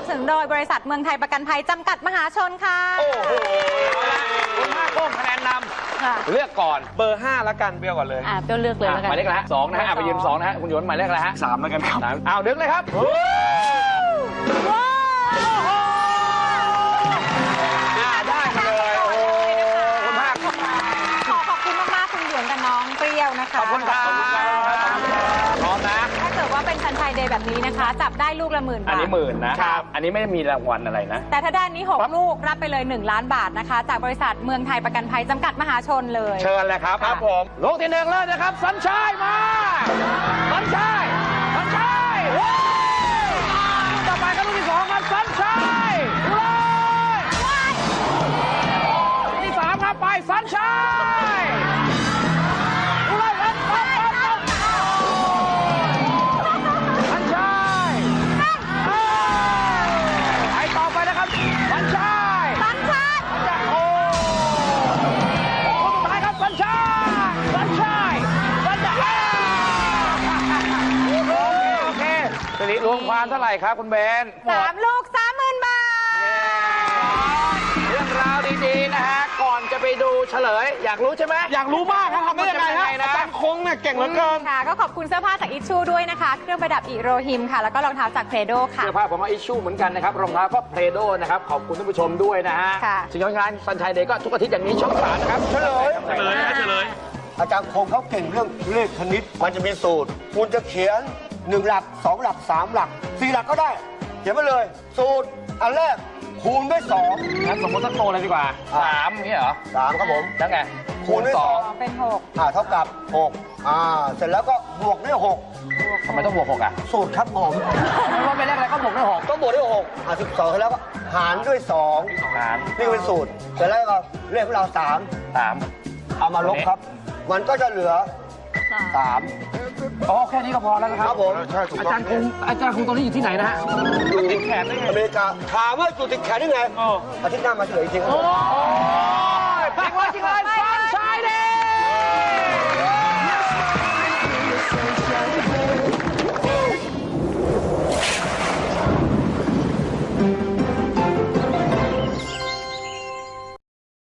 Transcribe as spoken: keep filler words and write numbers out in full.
สนุนโดยบริษัทเมืองไทยประกันภัยจำกัดมหาชนค่ะโอ้โหคุณห้าโป้งคะแนนนำเลือกก่อนเบอร์ห้าแล้วกันเบลก่อนเลยอ่าเปรี้ยวเลือกเลยแล้วกันหมายเลขอะไรฮะสองนะฮะไปยืนสองนะฮะคุณหยวนหมายเลขอะไรฮะสามแล้วกันครับอ้าวดึงเลยครับได้มาเลยโอ้คุณภาคขอขอบคุณมากๆคุณหยวนกับน้องเปรี้ยวนะคะขอบคุณครับพร้อมนะถ้าเกิดว่าเป็นซันชัยเดย์แบบนี้นะคะจับได้ลูกละหมื่นบาทอันนี้หมื่นนะครับอันนี้ไม่มีรางวัลอะไรนะแต่ถ้าด้านนี้หกลูกรับไปเลยหนึ่งล้านบาทนะคะจากบริษัทเมืองไทยประกันภัยจำกัดมหาชนเลยเชิญเลยครับครับผมลูกที่หนึ่งเลยนะครับสัญชัยมาสัญชัยสัญชัยต่อไปก็ลูกที่สองครับสัญชัยเลยลูกที่สามครับไปสัญชัยเลยเอ็ดไปสัญชัยไปต่อไปนะครับสัญชัยสัญชัยโอ้คนสุดท้ายครับสัญชัยสัญชัยสัญชัยโอเคโอเคทีนี้รวมความเท่าไหร่ครับคุณเบนสามลูกสามหมื่นบาทเรื่องราวดีๆนะฮะก่อนจะไปดูเฉลยอยากรู้ใช่ไหมอยากรู้มากครับทำได้ยังไงฮะอาจารย์คงเนี่ยเก่งเหลือเกินค่ะก็ขอบคุณเสื้อผ้าจากอิชชูด้วยนะคะเครื่องประดับอิโรฮิมค่ะแล้วก็รองเท้าจากเพโดค่ะเสื้อผ้าผมว่าอิชชูเหมือนกันนะครับรองเท้าก็เพโดนะครับขอบคุณท่านผู้ชมด้วยนะฮะสิ่งงานสัญชัยเดย์ก็ทุกอาทิตย์อย่างนี้ช่องสามนะครับเฉลยเฉลยนะเฉลยอาจารย์คงเขาเก่งเรื่องเลขคณิตมันจะมีสูตรคุณจะเขียนหนึ่งหลักสองหลักสามหลักสี่หลักก็ได้เขียนไปเลยสูตรอันแรกคูณด้วยสองงั้นสมมติสักโตเลยดีกว่าสามนี่เหรอสามครับผมแล้วไงคูณด้วยสองเป็นหกอ่าเท่ากับหกอ่าเสร็จแล้วก็บวกด้วยหกทำไมต้องบวกหกอ่ะสูตรครับผมไม่ว่าเป็นเลขอะไรก็บวกด้วยหกต้องบวกด้วยหกอ่าสิบสองเสร็จแล้วก็หารด้วยสองหารนี่เป็นสูตรเสร็จแล้วก็เลขของเราสามสามเอามาลบครับมันก็จะเหลือสามอ๋อแค่นี้ก็พอแล้วนะครับผมอาจารย์คงอาจารย์คงตอนนี้อยู่ที่ไหนนะฮะอยู่ติดแขนได้ไงอเมริกาถามว่าอยู่ติดแขนได้ไงอาทิตย์หน้ามาเฉลยจริงครับโอ้ยจริงเลยจริงเลย